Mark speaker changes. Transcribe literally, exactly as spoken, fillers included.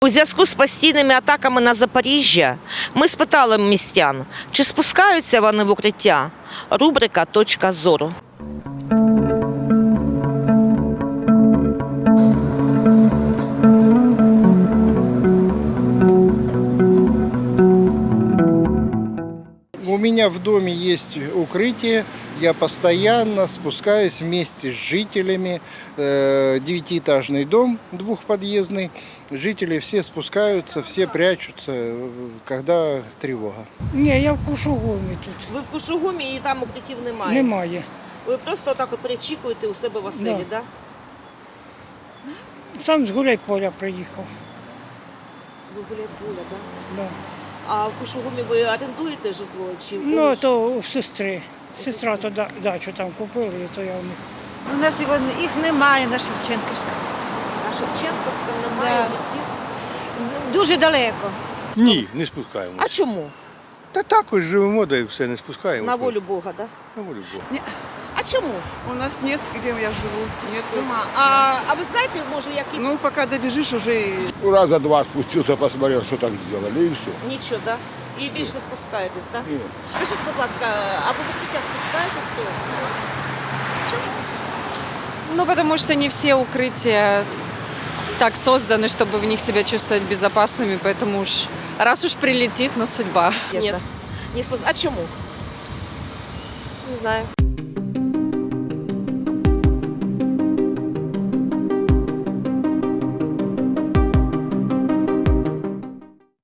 Speaker 1: У зв'язку з постійними атаками на Запоріжжя ми спитали містян, чи спускаються вони в укриття. Рубрика «Точка зору».
Speaker 2: У меня в доме есть укрытие, я постоянно спускаюсь вместе с жителями. Девятиэтажный дом, двухподъездный. Жители все спускаются, все прячутся, когда тревога.
Speaker 3: Ні, я в Кушугумі тут.
Speaker 1: Ви в Кушугумі і там укриттів немає?
Speaker 3: Немає.
Speaker 1: Ви просто отак от перечікуєте у себе в оселі,
Speaker 3: Да.
Speaker 1: так?
Speaker 3: Сам з Гуляйполя приїхав.
Speaker 1: Ви гуляєте, так?
Speaker 3: Да.
Speaker 1: А в Кушугумі ви орендуєте житло? Чи в
Speaker 3: Ну,
Speaker 1: когось?
Speaker 3: то у сестри. Сестра то да- дачу там купила, і то я у них.
Speaker 4: У нас його, їх немає на Шевченківському.
Speaker 1: На Шевченківському немає
Speaker 4: Да.
Speaker 1: укриттів?
Speaker 4: Дуже далеко.
Speaker 5: Ні, не спускаємося.
Speaker 1: А чому?
Speaker 5: Та також живемо, да і все, не спускаємося.
Speaker 1: На волю Бога, так?
Speaker 5: На волю Бога.
Speaker 1: А чому?
Speaker 6: У нас нет, где я живу, нету.
Speaker 1: Нема. А, а ви знаєте, може, якісь...
Speaker 6: Ну, пока добежишь, уже и
Speaker 7: Раза два спустился, посмотрел, что там сделали, и все.
Speaker 1: Нічого, так? І більше не спускаєтесь, так?
Speaker 7: Ні.
Speaker 1: Скажіть, будь ласка, а ви в укриття спускаєтесь просто? Чому?
Speaker 8: Ну, потому что не все укрытия так созданы, чтобы в них себя чувствовать безопасными, поэтому уж раз уж прилетит, ну судьба.
Speaker 1: Ні. Не спус... А чому?
Speaker 8: Не знаю.